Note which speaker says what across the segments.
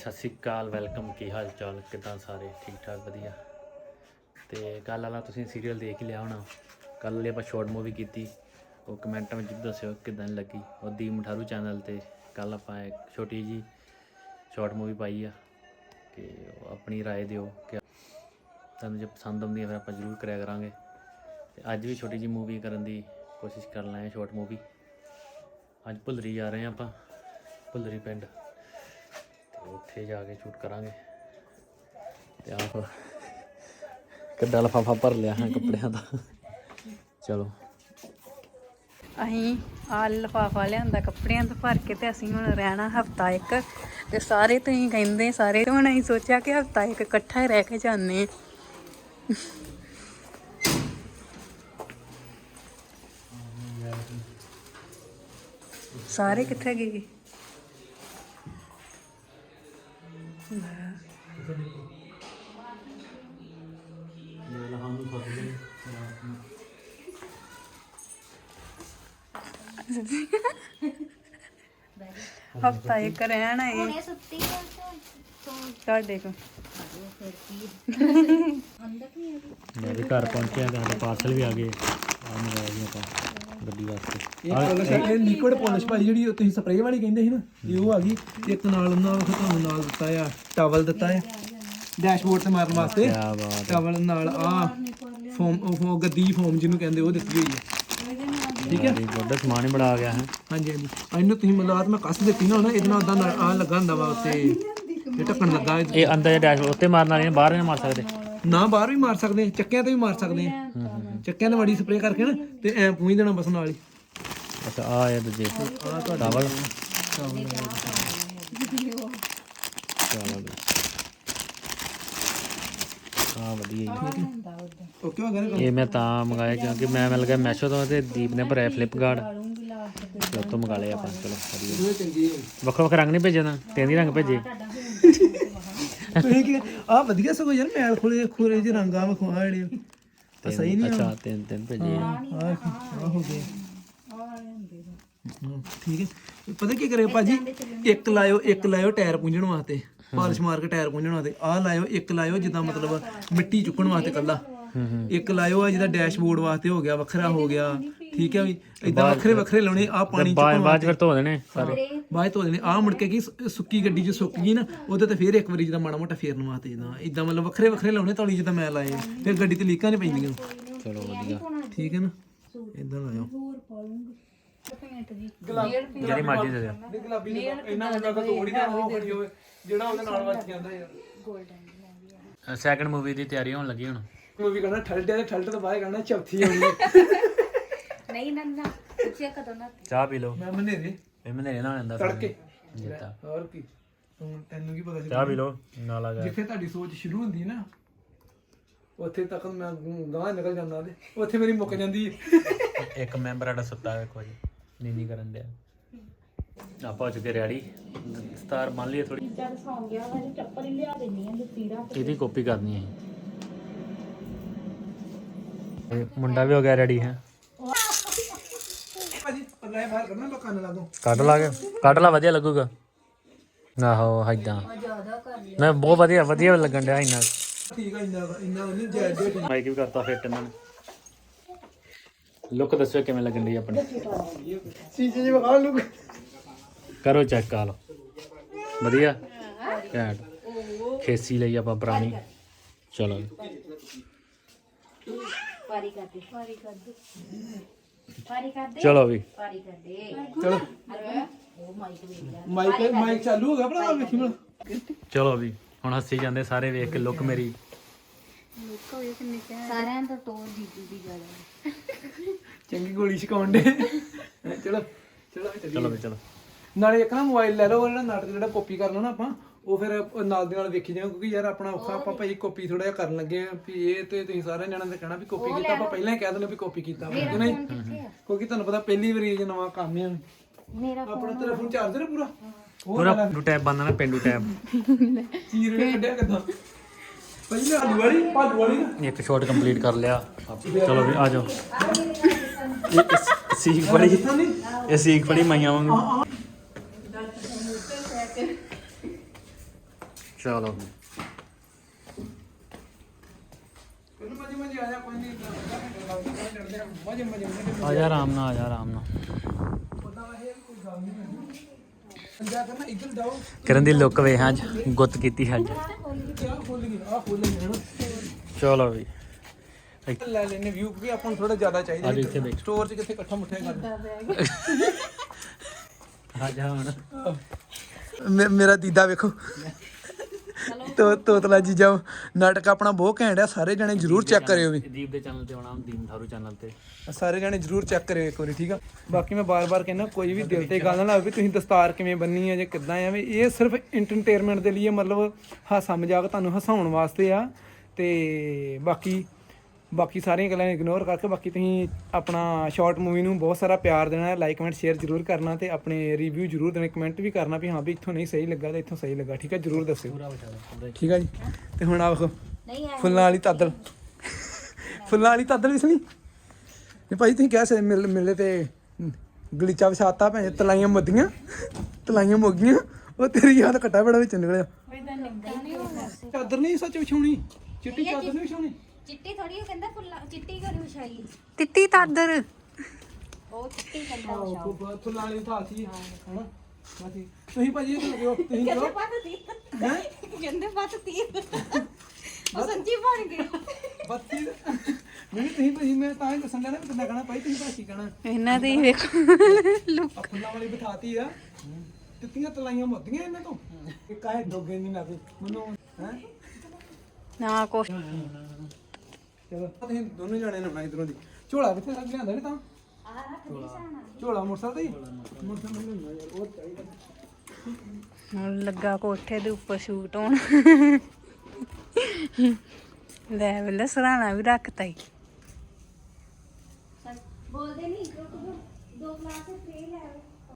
Speaker 1: ਸਤਿ ਸ਼੍ਰੀ ਅਕਾਲ, ਵੈਲਕਮ। ਕੀ ਹਾਲ ਚਾਲ, ਕਿੱਦਾਂ ਸਾਰੇ? ਠੀਕ ਠਾਕ, ਵਧੀਆ। ਤੇ ਕੱਲ੍ਹ ਵਾਲਾ ਤੁਸੀਂ ਸੀਰੀਅਲ ਦੇਖ ਹੀ ਲਿਆ ਹੋਣਾ। ਕੱਲ੍ਹ ਵਾਲੀ ਆਪਾਂ ਸ਼ਾਰਟ ਮੂਵੀ ਕੀਤੀ, ਉਹ ਕਮੈਂਟਾਂ ਵਿੱਚ ਦੱਸਿਓ ਕਿੱਦਾਂ ਲੱਗੀ। ਉਹ ਦੀਪ ਮਠਾਰੂ ਚੈਨਲ 'ਤੇ ਕੱਲ੍ਹ ਆਪਾਂ ਇੱਕ ਛੋਟੀ ਜਿਹੀ ਸ਼ਾਰਟ ਮੂਵੀ ਪਾਈ ਆ, ਕਿ ਆਪਣੀ ਰਾਏ ਦਿਓ ਕਿ ਤੁਹਾਨੂੰ ਜੇ ਪਸੰਦ ਆਉਂਦੀ ਹੈ ਫਿਰ ਆਪਾਂ ਜ਼ਰੂਰ ਕਰਿਆ ਕਰਾਂਗੇ। ਅਤੇ ਅੱਜ ਵੀ ਛੋਟੀ ਜਿਹੀ ਮੂਵੀ ਕਰਨ ਦੀ ਕੋਸ਼ਿਸ਼ ਕਰ ਰਹੇ ਹਾਂ, ਸ਼ਾਰਟ ਮੂਵੀ। ਅੱਜ ਭੁੱਲਰੀ ਜਾ ਰਹੇ ਹਾਂ ਆਪਾਂ, ਭੁੱਲਰੀ ਪਿੰਡ, ਉੱਥੇ ਜਾ ਕੇ ਸ਼ੂਟ ਕਰਾਂਗੇ। ਤੇ ਆਪ ਕਿੱਡਾ ਲਿਫਾਫਾ ਭਰ ਲਿਆ ਹਾਂ ਕੱਪੜਿਆਂ ਦਾ। ਚਲੋ
Speaker 2: ਅਸੀਂ ਆਹ ਲਿਫਾਫਾ ਲਿਆਂਦਾ ਕੱਪੜਿਆਂ ਤੋਂ ਭਰ ਕੇ, ਤੇ ਅਸੀਂ ਹੁਣ ਰਹਿਣਾ ਹਫਤਾ ਇੱਕ। ਤੇ ਸਾਰੇ ਤੁਸੀਂ ਕਹਿੰਦੇ ਸਾਰੇ, ਤੇ ਹੁਣ ਅਸੀਂ ਸੋਚਿਆ ਕਿ ਹਫਤਾ ਇੱਕ ਇਕੱਠਾ ਹੀ ਰਹਿ ਕੇ ਜਾਂਦੇ। ਸਾਰੇ ਕਿੱਥੇ ਗਏ? ਹਫਤਾ ਇੱਕ ਰਹਿਣਾ ਇਹ ਤੁਹਾਡੇ ਕੋਲ।
Speaker 1: ਮੈਂ ਵੀ ਘਰ ਪਹੁੰਚਿਆ ਤੇ ਸਾਡੇ ਪਾਰਸਲ ਵੀ ਆ ਗਏ। ਆ ਮੰਗਾਇਆ ਜੀ ਆਪਾਂ ਗੱਡੀ ਵਾਸਤੇ।
Speaker 3: ਇਹ ਲਿਕੁਇਡ ਪਾਲਿਸ਼ ਭਾਈ ਜਿਹੜੀ ਤੁਸੀਂ ਸਪਰੇਅ ਵਾਲੀ ਕਹਿੰਦੇ ਸੀ ਨਾ, ਇਹ ਉਹ ਆ ਗਈ। ਇੱਕ ਨਾਲ ਉਹਨਾਂ ਨੂੰ ਤੁਹਾਨੂੰ ਨਾਲ ਦਿੱਤਾ ਆ, ਟਾਵਲ ਦਿੱਤਾ ਆ ਡੈਸ਼ਬੋਰਡ ਤੇ ਮਾਰਨ ਵਾਸਤੇ। ਟਾਵਲ ਨਾਲ ਆ ਫੋਮ, ਉਹ ਗੱਦੀ ਫੋਮ ਜਿਹਨੂੰ ਕਹਿੰਦੇ, ਉਹ ਦਿੱਤੀ ਹੋਈ ਹੈ। ਠੀਕ ਹੈ,
Speaker 1: ਵੱਡਾ ਸਮਾਨ ਹੀ ਬੜਾ ਆ ਗਿਆ ਹੈ।
Speaker 3: ਹਾਂਜੀ ਹਾਂਜੀ। ਇਹਨੂੰ ਤੁਸੀਂ ਮਤਲਬ ਮੈਂ ਕੱਸ ਦਿੱਤੀ ਨਾ, ਇਹਦੇ ਨਾਲ ਉਦਾਂ ਆ ਲੱਗਾ ਹੁੰਦਾ ਵਾ ਉੱਤੇ, ਇਹ ਢੱਕਣ ਲੱਗਾ।
Speaker 1: ਇਹ ਅੰਦਰ ਡੈਸ਼ਬੋਰਡ ਉੱਤੇ ਮਾਰਨ ਵਾਲੀ, ਬਾਹਰ ਨਹੀਂ ਮਾਰ ਸਕਦੇ
Speaker 3: ਨਾ, ਬਾਹਰ ਵੀ ਮਾਰ ਸਕਦੇ, ਚੱਕਿਆਂ ਤੇ ਵੀ ਮਾਰ ਸਕਦੇ ਆ। ਚੱਕਿਆਂ ਤੇ ਮੜੀ ਸਪਰੇਅ ਕਰਕੇ ਨਾ ਤੇ ਐ ਪੂੰਝ ਦੇਣਾ ਬਸ ਨਾਲ ਹੀ।
Speaker 1: ਅੱਛਾ, ਆ ਇਹ ਦੂਜੇ ਟਾਵਲ। ਹਾਂ ਵਧੀਆ ਜੀ।
Speaker 3: ਓਕੇ ਹੋ ਗਿਆ।
Speaker 1: ਇਹ ਮੈਂ ਤਾਂ ਮੰਗਾਇਆ ਕਿਉਂਕਿ ਮੈਂ ਮਿਲ ਗਿਆ ਮੈਸ਼ੋ ਤੋਂ, ਤੇ ਦੀਪ ਨੇ ਭਰਿਆ ਫਲਿੱਪਕਾਰਟ, ਤੇ ਉੱਥੋਂ ਮੰਗਾ ਲਏ ਆਪਾਂ। ਚਲੋ ਵਧੀਆ। ਵੱਖੋ ਵੱਖ ਰੰਗ ਨਹੀਂ ਭੇਜੇ ਨਾ, ਤਿੰਨ ਹੀ ਰੰਗ ਭੇਜੇ।
Speaker 3: ਤੁਸੀਂ ਕੀ ਆ ਵਧੀਆ ਸਗੋਂ ਯਾਰ, ਮੈਲ ਖੋਲੇ ਖੋਰੇ ਜਿਹੇ ਰੰਗਾਂ ਵਿਖਵਾ ਜਿਹੜੇ ਸਹੀ ਨਹੀਂ।
Speaker 1: ਅੱਛਾ, ਤਿੰਨ ਭੇਜੇ ਆ।
Speaker 3: ਆ ਹੋ ਗਏ। ਠੀਕ ਹੈ। ਪਤਾ ਕੀ ਕਰਿਓ ਭਾਜੀ, ਇੱਕ ਲਾਇਓ ਟਾਇਰ ਪੂੰਝਣ ਵਾਸਤੇ, ਪਾਲਿਸ਼ ਮਾਰ ਕੇ ਟਾਇਰ ਪੂੰਝਣ ਵਾਸਤੇ। ਆਹ ਲਾਇਓ, ਇੱਕ ਲਾਇਓ ਜਿੱਦਾਂ ਮਤਲਬ ਮਿੱਟੀ ਚੁੱਕਣ ਵਾਸਤੇ ਕੱਲਾ। ਇੱਕ ਲਾਇਓ ਆ ਜਿਹਦਾ ਡੈਸ਼ਬੋਰਡ ਵਾਸਤੇ ਹੋ ਗਿਆ, ਵੱਖਰਾ ਹੋ ਗਿਆ। ਠੀਕ ਹੈ ਵੀ, ਇਦਾਂ ਵੱਖਰੇ ਵੱਖਰੇ ਲਾਉਣੇ। ਆ ਪਾਣੀ
Speaker 1: ਬਾਅਦ ਫਿਰ ਧੋ ਦੇਣੇ ਸਾਰੇ,
Speaker 3: ਬਾਅਦ ਧੋ ਦੇਣੇ। ਆ ਮੁੜ ਕੇ ਕੀ ਸੁੱਕੀ ਗੱਡੀ 'ਚ ਸੁੱਕ ਗਈ ਨਾ, ਉਹਦੇ ਤੇ ਫਿਰ ਇੱਕ ਵਾਰੀ ਜਿੱਦਾਂ ਮਾੜਾ ਮੋਟਾ ਫੇਰਨ ਵਾਸਤੇ ਜਿੱਦਾਂ ਇਦਾਂ ਮਤਲਬ ਵੱਖਰੇ ਵੱਖਰੇ ਲਾਉਣੇ ਤੌਲੀ, ਜਿੱਦਾਂ ਮੈਂ ਲਾਏ। ਫਿਰ ਗੱਡੀ ਤੇ ਲੀਕਾਂ ਨਹੀਂ ਪੈਂਦੀਆਂ।
Speaker 1: ਚਲੋ ਵਧੀਆ।
Speaker 3: ਠੀਕ ਹੈ ਨਾ, ਇਦਾਂ ਲਾਇਓ।
Speaker 1: ਜਿਹੜੀ ਮਰਜ਼ੀ ਦੇ ਦਿਓ।
Speaker 3: ਗੁਲਾਬੀ ਇਹਨਾਂ ਦਾ ਤੋੜੀ ਨਾ ਉਹ ਖੜੀ ਹੋਵੇ ਜਿਹੜਾ ਉਹਦੇ ਨਾਲ ਵੱਜ ਜਾਂਦਾ ਯਾਰ।
Speaker 1: ਸੈਕੰਡ ਮੂਵੀ ਦੀ ਤਿਆਰੀ ਹੋਣ ਲੱਗੀ ਹੁਣ।
Speaker 3: ਮੂਵੀ ਕਰਨਾ ਠਲਟੇ ਤੇ ਠਲਟ ਤੋਂ ਬਾਅਦ ਕਰਨਾ ਚੌਥੀ ਹੋਣੀ।
Speaker 2: ਨਹੀਂ ਨਾ ਪੁੱਛਿਆ ਕਦੋਂ ਨਾ।
Speaker 1: ਚਾਹ ਪੀ ਲਓ।
Speaker 3: ਮੈਂ ਮਨੇਰੇ
Speaker 1: ਇਹ ਮਨੇਰੇ ਨਾਲ ਆਂਦਾ
Speaker 3: ਤੜਕੇ।
Speaker 1: ਜਿੱਤਾ।
Speaker 3: ਹੋਰ ਕੀ, ਤੈਨੂੰ ਕੀ ਪਤਾ ਸੀ?
Speaker 1: ਚਾਹ ਪੀ ਲਓ ਨਾਲ ਆ ਗਿਆ।
Speaker 3: ਜਿੱਥੇ ਤੁਹਾਡੀ ਸੋਚ ਸ਼ੁਰੂ ਹੁੰਦੀ ਨਾ, ਉੱਥੇ ਤੱਕ ਮੈਂ ਗਾਂਹ ਨਿਕਲ ਜਾਂਦਾ ਤੇ ਉੱਥੇ ਮੇਰੀ ਮੁੱਕ ਜਾਂਦੀ ਹੈ।
Speaker 1: ਇੱਕ ਮੈਂਬਰ ਸਾਡਾ ਸੁੱਤਾ ਹੈ ਕੁਝ ਨੀਂਦ ਕਰਨ ਡਿਆ। ਆਪਾਂ ਹੋ ਚੁੱਕੇ ਰੈਡੀ, ਦਸਤਾਰ ਬੰਨ ਲਈਏ ਥੋੜੀ।
Speaker 2: ਜਦ ਸੌਂ ਗਿਆ ਵਾ, ਚੱਪਲ ਹੀ ਲਿਆ ਦੇਣੀ ਆ, ਜੁੱਤੀ ਰੱਖ।
Speaker 1: ਇਹਦੀ ਕਾਪੀ ਕਰਨੀ ਹੈ। ਮੁੰਡਾ ਵੀ ਹੋ ਗਿਆ ਰੈਡੀ ਹੈ।
Speaker 3: ਭਾਜੀ ਪਰਲੇ ਬਾਹਰ ਕਰਨਾ, ਮੈਂ ਕੰਨ ਲਾ ਦੂੰ।
Speaker 1: ਕੱਢ ਲਾ ਵਧੀਆ ਲੱਗੂਗਾ। ਆਹੋ ਏਦਾਂ ਮੈਂ ਬਹੁਤ ਵਧੀਆ ਲੱਗਣ ਡਿਆ। ਇੰਨਾ
Speaker 3: ਠੀਕ ਆ, ਇੰਨਾ ਨਹੀਂ ਜਾਇਜ਼।
Speaker 1: ਮਾਈਕ ਵੀ ਕਰਤਾ ਫਿੱਟ ਇਹਨਾਂ ਨੇ। ਲੁੱਕ ਦੱਸੋ ਕਿਵੇਂ ਲੱਗਣ ਡਈ ਆਪਣੀ।
Speaker 3: ਸ਼ੀਸ਼ੇ 'ਚ ਵਿਖਾ ਲੂ।
Speaker 1: ਕਰੋ ਚੈੱਕ ਆ ਲਓ, ਵਧੀਆ ਘੈਂਟ। ਖੇਸੀ ਲਈ ਆਪਾਂ ਪੁਰਾਣੀ। ਚਲੋ ਚਲੋ ਵੀ
Speaker 3: ਚਲੋ ਮਾਈਕ ਚਾਲੂ ਹੋ ਗਿਆ ਭਰਾ, ਵੇਖੀ ਭਲਾ।
Speaker 1: ਚਲੋ ਵੀ ਹੁਣ ਹੱਸੀ ਜਾਂਦੇ ਸਾਰੇ ਵੇਖ ਕੇ ਲੁੱਕ ਮੇਰੀ।
Speaker 2: ਸਾਰਿਆਂ ਤੋਂ ਟੋਰ ਜੀਜੂ ਦੀ ਗੱਲ।
Speaker 3: ਚੰਗੀ ਗੋਲੀ ਛਕਾਉਣ ਦੇ। ਚਲੋ
Speaker 1: ਚਲੋ ਵੀ ਚਲੋ।
Speaker 3: ਨਾਲੇ ਇੱਕ ਨਾ ਮੋਬਾਈਲ ਲੈ ਲਓ, ਜਿਹੜਾ ਨਾਟਕ ਜਿਹੜਾ ਕਾਪੀ ਕਰਨਾ ਨਾ ਆਪਾਂ, ਉਹ ਫਿਰ ਨਾਲ ਦੇ ਨਾਲ ਵੇਖੀ ਜਾਓ। ਕਿਉਂਕਿ ਯਾਰ ਆਪਣਾ ਔਖਾ, ਆਪਾਂ ਭਾਈ ਕਾਪੀ ਥੋੜਾ ਜਿਹਾ ਕਰਨ ਲੱਗੇ ਆ ਵੀ ਇਹ ਤੇ ਤੁਸੀਂ ਸਾਰਿਆਂ ਜਣਾਂ ਨੇ ਕਹਿਣਾ ਵੀ ਕਾਪੀ ਕੀਤਾ। ਆਪਾਂ ਪਹਿਲਾਂ ਹੀ ਕਹਿ ਦਿੰਦੇ ਵੀ ਕਾਪੀ ਕੀਤਾ ਵਾ, ਕਿ ਨਹੀਂ? ਕਿਉਂਕਿ ਤੁਹਾਨੂੰ ਪਤਾ ਪਹਿਲੀ ਵਾਰੀ ਇਹ ਨਵਾਂ ਕੰਮ ਹੈ। ਆਪਣਾ ਤੇਰਾ ਫੋਨ ਚਾਰਜਰ ਪੂਰਾ
Speaker 1: ਪੂਰਾ ਪਿੰਡੂ ਟੈਬ ਬੰਦ ਨਾ, ਪਿੰਡੂ ਟੈਬ
Speaker 3: ਚੀਰ ਕੇ ਕੱਢਿਆ ਕਿੱਦਾਂ ਪਹਿਲੇ ਆਲੂ ਵਾਲੀ
Speaker 1: ਇੱਕ ਸ਼ਾਟ ਕੰਪਲੀਟ ਕਰ ਲਿਆ। ਚਲੋ ਵੀ ਆ ਜਾਓ। ਇਹ ਸੀਖ ਬੜੀ ਮਾਈਆਂ ਵਾਂਗੂ। ਚਲੋ
Speaker 3: ਮਜੇ ਮਜੇ ਆ ਜਾ ਕੋਈ ਨਹੀਂ ਚੜਦੇ ਆ ਮਜੇ ਮਜੇ
Speaker 1: ਆ ਜਾ ਆਰਾਮ ਨਾਲ, ਆ ਜਾ ਆਰਾਮ ਨਾਲ।
Speaker 3: ਪਤਾ ਹੈ ਕੋਈ ਗੱਲ ਨਹੀਂ ਪੰਜਾ ਕਰਨਾ ਇੱਧਰ ਜਾਓ
Speaker 1: ਕਰਨ ਦੀ ਲੁੱਕ ਵੇ ਹਾਂ ਗੁੱਤ ਕੀਤੀ ਅੱਜ।
Speaker 3: ਆ ਖੋਲ ਗਈ ਹਣਾ
Speaker 1: ਚਲੋ ਵੀ
Speaker 3: ਲੈ ਲੈਨੇ ਵਿਊ ਵੀ ਆਪਾਂ ਨੂੰ ਥੋੜਾ ਜ਼ਿਆਦਾ ਚਾਹੀਦਾ
Speaker 1: ਆ ਇੱਥੇ ਦੇਖ।
Speaker 3: ਸਟੋਰ 'ਚ ਕਿੱਥੇ ਇਕੱਠਾ ਮੁੱਠਿਆ ਕਰਦਾ
Speaker 1: ਆ ਜਾ ਹੁਣ।
Speaker 3: ਮੇਰਾ ਦੀਦਾ ਵੇਖੋ ਤੋਤਲਾ ਜੀਜਾ ਨਾਟਕ ਆਪਣਾ ਬਹੁਤ ਘੈਂਟ ਆ, ਸਾਰੇ ਜਣੇ ਜਰੂਰ ਚੈੱਕ ਕਰਿਓ ਵੀ।
Speaker 1: ਦੀਪ ਦੇ ਚੈਨਲ ਤੇ ਆਉਣਾ, ਦੀਪ ਥਾਰੂ ਚੈਨਲ ਤੇ
Speaker 3: ਸਾਰੇ ਜਣੇ ਜਰੂਰ ਚੈੱਕ ਕਰਿਓ ਇੱਕ ਵਾਰੀ, ਠੀਕ ਆ। ਬਾਕੀ ਮੈਂ ਬਾਰ-ਬਾਰ ਕਹਿੰਦਾ ਕੋਈ ਵੀ ਦਿਲ ਤੇ ਗੱਲ ਨਾ ਲਾਵੇ ਵੀ ਤੁਸੀਂ ਦਸਤਾਰ ਕਿਵੇਂ ਬੰਨੀ ਆ ਜਾਂ ਕਿੱਦਾਂ ਆ, ਵੀ ਇਹ ਸਿਰਫ ਐਂਟਰਟੇਨਮੈਂਟ ਦੇ ਲਈ ਮਤਲਬ ਹਾਸਾ ਮਜ਼ਾਕ ਤੁਹਾਨੂੰ ਹਸਾਉਣ ਵਾਸਤੇ ਆ। ਤੇ ਬਾਕੀ ਸਾਰੀਆਂ ਗੱਲਾਂ ਇਗਨੋਰ ਕਰਕੇ ਬਾਕੀ ਤੁਸੀਂ ਆਪਣਾ ਸ਼ਾਰਟ ਮੂਵੀ ਨੂੰ ਬਹੁਤ ਸਾਰਾ ਪਿਆਰ ਦੇਣਾ, ਲਾਈਕ ਕਮੈਂਟ ਸ਼ੇਅਰ ਜ਼ਰੂਰ ਕਰਨਾ ਤੇ ਆਪਣੇ ਰਿਵਿਊ ਜ਼ਰੂਰ ਦੇਣਾ, ਕਮੈਂਟ ਵੀ ਕਰਨਾ ਵੀ ਹਾਂ ਵੀ ਇੱਥੋਂ ਨਹੀਂ ਸਹੀ ਲੱਗਾ ਤੇ ਇੱਥੋਂ ਸਹੀ ਲੱਗਾ, ਠੀਕ ਹੈ, ਜ਼ਰੂਰ ਦੱਸਿਓ, ਠੀਕ ਹੈ ਜੀ। ਤੇ ਹੁਣ ਆ ਵੇਖੋ ਫੁੱਲਾਂ ਵਾਲੀ ਤਾਦਲ, ਫੁੱਲਾਂ ਵਾਲੀ ਤਾਦਲ ਇਸ ਲਈ ਤੇ ਭਾਈ ਤੁਸੀਂ ਕਹਿ ਸਕਦੇ ਮਿਲੇ ਤੇ ਗਲੀਚਾ ਵਿਛਾਤਾ ਭੈਣ ਤਲਾਈਆਂ ਮੱਦੀਆਂ ਤਲਾਈਆਂ ਮੁੱਗੀਆਂ, ਉਹ ਤੇਰੀ ਯਾਦ ਘਟਾ ਬੜਾ ਵਿੱਚ ਨਿਕਲਿਆ। ਚਾਦਰ ਨਹੀਂ ਸੱਚ ਵਿਛਾਉਣੀ, ਚਿੱਟੀ ਚਾਦਰ ਨਹੀਂ ਵਿਛਾਉਣੀ,
Speaker 4: ਚਿੱਟੀ ਥੋੜੀ ਉਹ ਕਹਿੰਦਾ ਫੁੱਲਾ ਚਿੱਟੀ ਕਰੀ ਵਿਛਾਈ
Speaker 2: ਤਿੱਤੀ ਤਾਦਰ
Speaker 4: ਉਹ ਚਿੱਟੀ ਕਹਿੰਦਾ ਵਿਛਾਓ
Speaker 3: ਫੁੱਲਾਂ ਵਾਲੀ ਥਾਂ ਸੀ ਹਨਾ। ਬਾਕੀ ਤੁਸੀਂ ਭਾਜੀ ਇਹ ਲੱਗਿਓ ਤੁਸੀਂ ਕਿਉਂ
Speaker 4: ਕਹਿੰਦੇ ਬੱਤੀ ਉਹ ਸੱਚੀ ਬਣ ਗਈ
Speaker 3: ਬੱਤੀ ਨਹੀਂ ਤੁਸੀਂ ਭਾਜੀ ਮੈਂ ਤਾਂ ਹੀ ਦੱਸਣ ਲੱਗਾ ਨਾ ਕਿੰਨਾ ਕਹਣਾ ਭਾਈ ਤੁਸੀਂ ਭਾਜੀ ਕਹਣਾ
Speaker 2: ਇਹਨਾਂ ਦੇ ਹੀ ਵੇਖੋ ਲੁੱਕ।
Speaker 3: ਫੁੱਲਾਂ ਵਾਲੀ ਬਿਠਾਤੀ ਆ, ਤਿੱਤੀਆਂ ਤਲਾਈਆਂ ਮੁੱਦੀਆਂ ਇਹਨਾਂ ਤੋਂ ਇਹ ਕਾਹੇ ਡੋਗੇ ਨਹੀਂ ਲੱਗਦੇ ਮੈਨੂੰ ਹੈ
Speaker 2: ਨਾ ਕੁਛ
Speaker 3: ਚਲੋ ਤੁਸੀਂ ਦੋਨੋਂ ਜਾਣੇ ਨੇ ਬਣਾ ਇਧਰੋਂ ਦੀ ਝੋਲਾ ਕਿੱਥੇ ਲੱਗ ਲਿਆਂਦਾ ਨੀ ਤਾਂ ਝੋਲਾ ਮੋਟਰਸਾਈਕਲ ਤੇ ਮੋਟਰਸਾਈਕਲ ਨਹੀਂ ਹੁੰਦਾ ਯਾਰ, ਉਹ ਚਾਹੀਦਾ।
Speaker 2: ਹੁਣ ਲੱਗਾ ਕੋਠੇ ਦੇ ਉੱਪਰ ਸ਼ੂਟ ਹੋਣ। ਲੈ ਵੇਲੇ ਸਰਾਣਾ ਵੀ ਰੱਖਤਾ ਈ।
Speaker 4: ਬੋਲਦੇ ਨਹੀਂ ਦੋ ਗਲਾਸ ਫੇਲ ਹੈ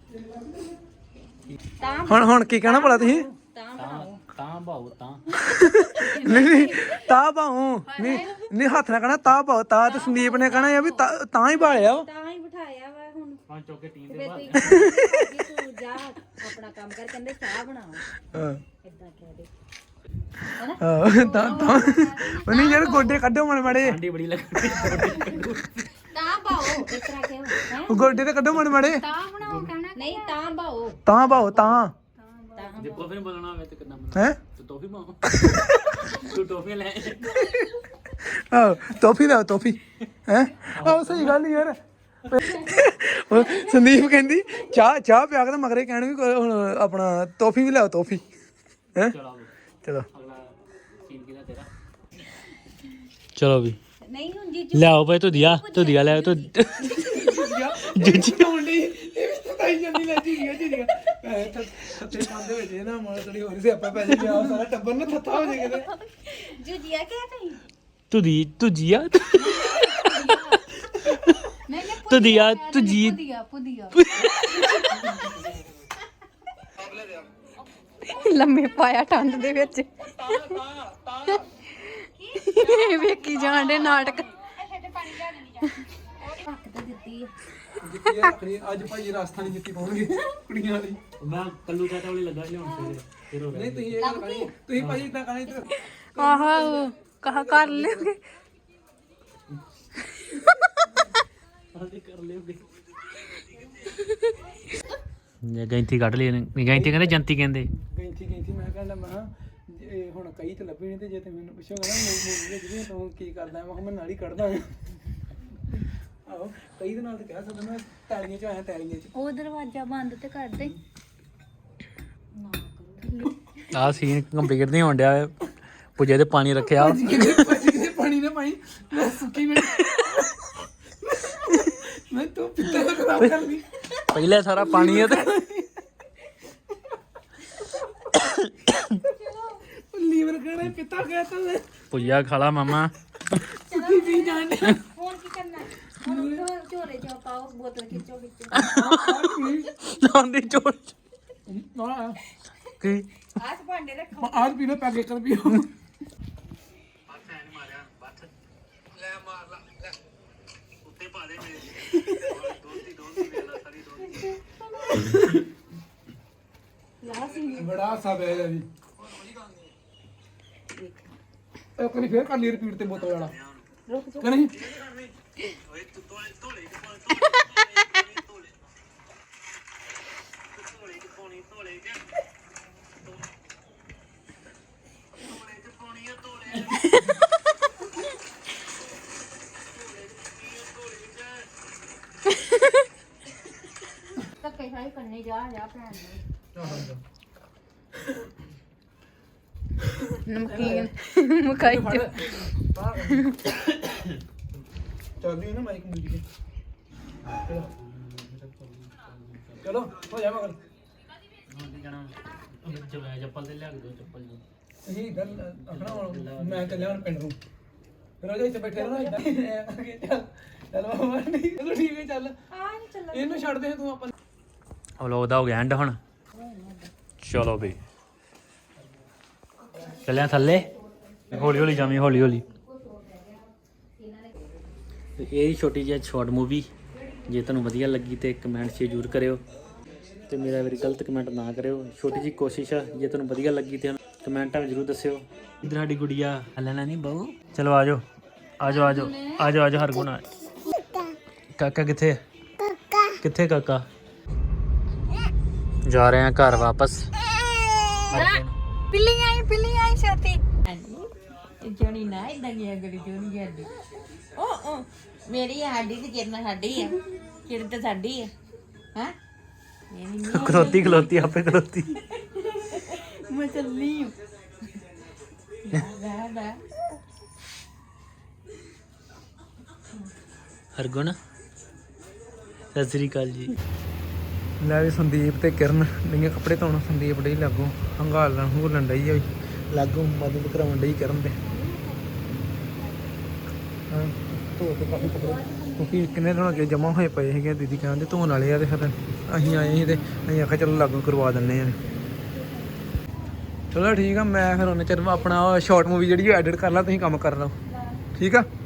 Speaker 3: ਹੁਣ ਕੀ ਕਹਿਣਾ ਭਲਾ ਤੁਸੀਂ?
Speaker 1: ਤਾਂ ਭਾਉ ਤਾਂ
Speaker 3: ਨਹੀਂ ਤਾਂ ਭਾਉ ਨਹੀਂ ਹੱਥ ਨਾਲ ਕਹਿਣਾ ਤਾਂ ਭਾਉ ਤਾਂ ਤੇ ਸੰਦੀਪ ਨੇ ਕਹਿਣਾ ਵੀ ਤਾਂ ਹੀ ਭਾਲਿਆ ਵਾ।
Speaker 4: ਤਾਂ ਹੀ ਬਿਠਾਇਆ ਵਾ ਹੁਣ
Speaker 1: ਪੰਜ ਚੌਕੇ ਟੀਮ ਦੇ
Speaker 4: ਤੇ
Speaker 1: ਬਾਅਦ
Speaker 4: ਤੂੰ ਜਾ ਆਪਣਾ ਕੰਮ ਕਰ, ਕਹਿੰਦੇ ਚਾਹ ਬਣਾਓ
Speaker 3: ਹਾਂ
Speaker 4: ਇਦਾਂ ਕਹਿ ਦੇ
Speaker 3: ਤਾਂ ਉਹਨੇ ਯਾਰ ਗੋਡੇ ਕੱਢੋ ਮਣ ਮੜੇ,
Speaker 1: ਠੰਡੀ ਬੜੀ ਲੱਗਦੀ।
Speaker 4: ਤਾਂ ਬਾਓ ਇਸ ਤਰ੍ਹਾਂ ਕਿਉਂ ਹੈ
Speaker 3: ਗੋਡੇ ਤੇ ਕੱਢੋ ਮਣ ਮੜੇ,
Speaker 4: ਤਾਂ ਬਣਾਓ ਕਹਿਣਾ ਨਹੀਂ ਤਾਂ ਬਾਓ
Speaker 3: ਤਾਂ ਭਾਉ ਤਾਂ
Speaker 1: ਜੇ ਟੋਫੀ ਬੋਲਣਾ ਹੋਵੇ ਤੇ ਕਿੰਨਾ
Speaker 3: ਹੈ
Speaker 1: ਤੂੰ ਟੋਫੀ ਪਾਉ ਤੂੰ ਟੋਫੀ ਲੈ
Speaker 3: ਆਹ ਟੋਫੀ ਦਾ ਟੋਫੀ ਹੈ ਆਹ ਸਹੀ ਗੱਲ ਯਾਰ। ਉਹ ਸੰਦੀਪ ਕਹਿੰਦੀ ਚਾਹ ਪਿਆ ਕੇ ਤਾਂ ਮਗਰੇ ਕਹਿਣ ਵੀ ਹੁਣ ਆਪਣਾ ਟੋਫੀ ਵੀ ਲਿਆਓ ਟੋਫੀ ਹੈ।
Speaker 1: ਚਲੋ
Speaker 3: ਚਲੋ
Speaker 1: ਅਗਲਾ ਸੀਨ ਕਿਹਦਾ ਤੇਰਾ? ਚਲੋ ਵੀ
Speaker 4: ਨਹੀਂ ਹੁਣ ਜੀਜੂ
Speaker 1: ਲਿਆਓ ਭਾਈ ਧੁਦੀਆ ਲੈ ਤੂੰ
Speaker 3: ਜੁੱਜੀ ਹੋਣ ਲਈ ਇਹ ਵੀ ਸਤਾਈ ਜਾਂਦੀ ਲੈ ਜੀ ਥੱਤੇ ਪਾਉਂਦੇ ਵਿੱਚ ਇਹ ਨਾ ਮਾੜਾ ਥੋੜੀ ਹੋਰ ਸਿਆਪਾ ਪੈ ਜਾਏ, ਆ ਸਾਰਾ ਟੱਬਰ ਨਾ ਥੱਥਾ ਹੋ ਜਾਏ ਕਿਤੇ।
Speaker 4: ਜੂਜੀਆ ਕਹਿ ਤਈ
Speaker 1: ਧੁਦੀਆ
Speaker 4: ਨਹੀਂ
Speaker 1: ਧੁਦੀਆ
Speaker 4: ਪੁਦੀਆ
Speaker 2: ਲੰਮੇ ਪਾਇਆ ਠੰਡ ਦੇ ਵਿੱਚ ਵੇਖੀ ਜਾਣ ਦੇ ਨਾਟਕ।
Speaker 4: ਹੱਕ ਤੇ ਦਿੱਤੀ ਆ।
Speaker 3: ਜੁੱਤੀ ਰੱਖਣੀ ਅੱਜ ਭਾਈ ਰਾਜਸਥਾਨੀ ਜੁੱਤੀ ਪਾਉਣਗੇ ਕੁੜੀਆਂ ਵਾਲੀ।
Speaker 1: ਮੈਂ ਕੱਲੂ ਚਾਟਾ ਵਾਲੀ ਲੱਗਾ ਲਿਆਉਣ ਸਵੇਰੇ ਫਿਰ ਹੋ
Speaker 3: ਨਹੀਂ ਤੁਸੀਂ ਇਹ ਗੱਲ ਕਰਨੀ, ਤੁਸੀਂ ਭਾਈ ਇਦਾਂ ਕਰਨਾ ਇੱਧਰ
Speaker 2: ਆਹ ਕਹਾ ਕਰ ਲਿਓਗੇ
Speaker 1: ਕਰ ਲਿਓਗੇ। ਜੇ ਗੈਂਤੀ ਕੱਢ ਲਈ ਗੈਂਤੀ ਕਹਿੰਦੇ ਜੰਤੀ ਕਹਿੰਦੇ
Speaker 3: ਗੈਂਤੀ ਮੈਂ ਕਹਿੰਦਾ ਮੈਂ ਇਹ ਹੁਣ ਕਈ ਤੇ ਲੱਭੇ ਨਹੀਂ ਤੇ ਜੇ ਤੇ ਮੈਨੂੰ ਪੁੱਛੋਗਾ ਨਾ ਮੂਵੀ ਵਿੱਚ ਵੀ ਤੂੰ ਕੀ ਕਰਦਾ ਮੈਂ ਕਿਹਾ ਮੈਂ ਨਾਲ ਹੀ ਕੱਢਦਾ ਆਹੋ ਕਈ ਦੇ ਨਾਲ ਤੇ ਕਹਿ ਸਕਦਾ ਮੈਂ ਤਾਲੀਆਂ ਚ ਆਇਆ ਤਾਲੀਆਂ ਚ।
Speaker 4: ਉਹ ਦਰਵਾਜ਼ਾ ਬੰਦ ਤੇ ਕਰ ਦੇ
Speaker 1: ਆਹ ਸੀਨ ਕੰਪਲੀਟ ਨਹੀਂ ਹੋਣ ਡਿਆ ਪੁੱਜੇ ਤੇ ਪਾਣੀ ਰੱਖਿਆ
Speaker 3: ਕਿਤੇ ਪਾਣੀ ਨਾ ਪਾਈ ਮੈਂ ਸੁੱਕੀ ਮੈਂ ਤੂੰ ਪਿੱਤੇ ਦਾ ਖਰਾਬ ਕਰ ਲਈ
Speaker 1: ਪਹਿਲੇ ਸਾਰਾ ਪਾਣੀ ਹੈ ਤੇ
Speaker 3: ਲੀਵਰ ਕਹਿਣਾ ਪਿੱਤਾ ਗਿਆ ਤਾਂ ਮੈਂ
Speaker 1: ਪੁੱਜਿਆ ਖਾਲਾ ਮਾਮਾ
Speaker 3: ਸੁੱਕੀ ਪੀ ਜਾਣ ਡਿਆ।
Speaker 4: ਹੁਣ ਕੀ ਕਰਨਾ ਹੁਣ ਝੋਲੇ ਚ ਪਾਓ ਬੋਤਲ ਖਿੱਚੋ
Speaker 1: ਆਂਦੀ ਚੋੜ
Speaker 3: ਆਹ
Speaker 1: ਕੀ
Speaker 4: ਆਸ ਭਾਂਡੇ ਰੱਖੋ
Speaker 3: ਆਜ ਪੀ ਲੋ ਪੈਕੇ ਕਰ ਪੀਓ। ਬੜਾ ਸਾ ਬੈਗ ਹੈ ਜੀ ਇੱਕ ਵਾਰੀ ਫੇਰ ਕਰ ਲਈ ਰਿਪੀਟ ਤੇ ਬੋਤਲ ਵਾਲਾ ਕਿ ਨਹੀਂ
Speaker 4: ਧੱਕੇ ਖਾਈ ਕਰਨੇ ਜਾ ਭੈਣ ਨੂੰ
Speaker 2: ਨਮਕੀਨ ਮਕਾਈ ਚ
Speaker 3: ਚੱਲਦੀ ਨਾ ਮਾਈਕ ਮਿਲ ਗਈ ਚਲੋ ਹੋ ਜਾ ਮਗਰ
Speaker 1: ਚੱਪਲ ਤੇ ਲਿਆ ਕੇ ਦਿਓ ਚੱਪਲ ਜੀ
Speaker 3: ਅਸੀਂ ਇਧਰ ਆਪਣਾ ਮੈਂ ਚੱਲਿਆ ਹੁਣ ਪਿੰਡ ਨੂੰ ਫਿਰ ਉਹ ਇੱਥੇ ਬੈਠੇ ਰਹੋ ਇਦਾਂ ਚੱਲ ਮਾਮਾ ਨਹੀਂ ਚਲੋ ਠੀਕ ਹੈ ਚੱਲ ਇਹਨੂੰ ਛੱਡ ਦੇ ਤੂੰ ਆਪਾਂ
Speaker 1: ਵਲੋਗ ਦਾ ਹੋ ਗਿਆ ਐਂਡ ਹੁਣ ਚਲੋ ਬਈ ਚੱਲਿਆ ਥੱਲੇ ਹੌਲੀ ਹੌਲੀ ਜਾਵੀਂ ਹੌਲੀ ਹੌਲੀ ਤੇ ਇਹ ਛੋਟੀ ਜਿਹੀ ਸ਼ਾਰਟ ਮੂਵੀ ਜੇ ਤੁਹਾਨੂੰ ਵਧੀਆ ਲੱਗੀ ਤੇ ਕਮੈਂਟ 'ਚ ਜ਼ਰੂਰ ਕਰਿਓ ਤੇ ਮੇਰਾ ਵੀ ਗਲਤ ਕਮੈਂਟ ਨਾ ਕਰਿਓ ਛੋਟੀ ਜਿਹੀ ਕੋਸ਼ਿਸ਼ ਆ ਜੇ ਤੁਹਾਨੂੰ ਵਧੀਆ ਲੱਗੀ ਤੇ ਕਮੈਂਟਾਂ ਵਿੱਚ ਜ਼ਰੂਰ ਦੱਸਿਓ ਇਧਰ ਸਾਡੀ ਗੁੜੀਆ ਲੈਣਾ ਨਹੀਂ ਬਹੂ ਚਲੋ ਆਜੋ ਆਜੋ ਆਜੋ ਆਜੋ ਆਜੋ ਹਰਗੁਣ ਆ ਕਾਕਾ ਕਿੱਥੇ ਕਿੱਥੇ ਕਾਕਾ ਜਾ ਰਹੇ ਆ ਘਰ ਵਾਪਸ
Speaker 2: ਪਿੱਲੀ ਆਈ ਛਾਤੀ
Speaker 5: ਜੋਣੀ ਨਾ ਇਦਾਂ ਦੀ ਅਗਲੀ ਜੋਣੀ ਜਾਂਦੀ ਉਹ ਮੇਰੀ ਸਾਡੀ ਤੇ ਕਿਰਨ ਸਾਡੀ ਆ ਕਿਰਨ ਤੇ ਸਾਡੀ ਆ ਹਾਂ
Speaker 1: ਖਲੋਤੀ ਖਲੋਤੀ ਆਪੇ ਖਲੋਤੀ
Speaker 5: ਮੈਂ ਚੱਲੀ ਬਾ
Speaker 1: ਹਰਗੁਣ ਸਤਿ ਸ੍ਰੀ ਅਕਾਲ ਜੀ
Speaker 3: ਲੈ ਵੀ ਸੰਦੀਪ ਤੇ ਕਿਰਨ ਨਹੀਂ ਕੱਪੜੇ ਧੋਣ ਸੰਦੀਪ ਡੇ ਲੱਗੋ ਹੰਗਾਲਣ ਹੂਲਣ ਡਈ ਆ ਲੱਗੋ ਮਦਦ ਕਰਾਉਣ ਡਈ ਕਰਨ ਦੇ ਧੋ ਕੇ ਕਾਫੀ ਕੱਪੜੇ ਕਿਉਂਕਿ ਕਿੰਨੇ ਦਿਨ ਅੱਗੇ ਜਮਾ ਹੋਏ ਪਏ ਹੈਗੇ ਦੀਦੀ ਕਹਿੰਦੇ ਧੋਣ ਵਾਲੇ ਆ ਤੇ ਫਿਰ ਅਸੀਂ ਆਏ ਸੀ ਤੇ ਅਸੀਂ ਆਖਿਆ ਚਲੋ ਲਾਗੂ ਕਰਵਾ ਦਿੰਦੇ ਆ ਚਲੋ ਠੀਕ ਆ ਮੈਂ ਫਿਰ ਉਹਨੇ ਚਿਰ ਆਪਣਾ ਸ਼ਾਰਟ ਮੂਵੀ ਜਿਹੜੀ ਐਡਿਟ ਕਰ ਲਾ ਤੁਸੀਂ ਕੰਮ ਕਰ ਲਓ ਠੀਕ ਆ